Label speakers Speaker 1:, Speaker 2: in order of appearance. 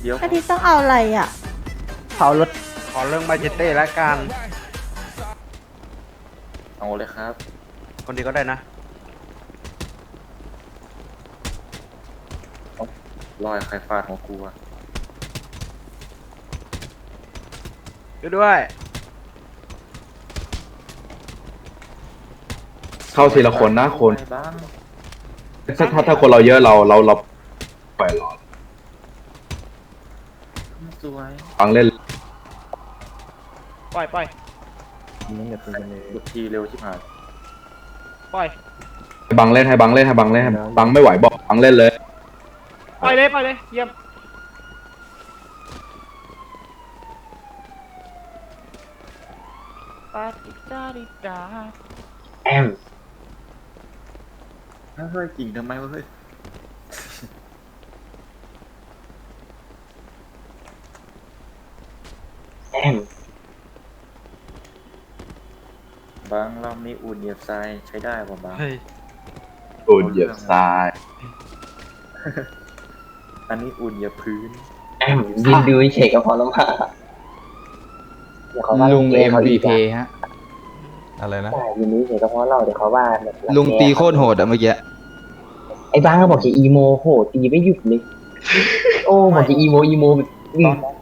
Speaker 1: ดี๋ยว
Speaker 2: อาทิตย์ต้องเอาอะไรอ่ะ
Speaker 3: เผารถขอเรื่องมาเจเต้แล้วกัน
Speaker 1: เอาเลยครับ
Speaker 3: คนดีก็ได้นะ
Speaker 1: รอยใครฟาดของกูอะ
Speaker 3: ด้วย
Speaker 4: เข้าทีละคนนะคน
Speaker 1: ไปบ้าง
Speaker 4: ถ้าคนเราเยอะเราปล่อยหลอด
Speaker 1: สวย
Speaker 4: ฟังเล่น
Speaker 3: ปล่อย
Speaker 1: บุกทีเร็วชิบหาย
Speaker 3: ปล่อย
Speaker 4: ให้บังเล่นให้บังไม่ไหวบอกบังเล่นเลย
Speaker 3: ปล่อยเลยเยี่ยมปาติดาดิดา
Speaker 4: แอม
Speaker 1: เฮ้ยกิ่งทำไมวะเฮ้ย
Speaker 4: แอม
Speaker 1: บางเรามีอุ่นเหยียบทรายใช้ได้ป่ะบาง
Speaker 3: เฮ้ย
Speaker 4: โดนเหยียบทราย
Speaker 1: อันนี้อุ่นเหยียบพื้น
Speaker 5: แอมยืนดูเฉยก็พอแล้วมาเดี๋ยวเขาว่า
Speaker 6: ลุง
Speaker 5: MVP
Speaker 6: MVP ฮะ อะไรนะ
Speaker 5: ใช่ยืนดูเฉยก็พอเราเดี๋ยวเขาว่าแบบ
Speaker 6: ลุงตีโคตรโหดอะเมื่อกี้
Speaker 5: ไอ้บ้างก็บอกจะอีโมโหตีไม่หยุดเลย โอ้บอกจะอีโมแบบ
Speaker 1: ตอน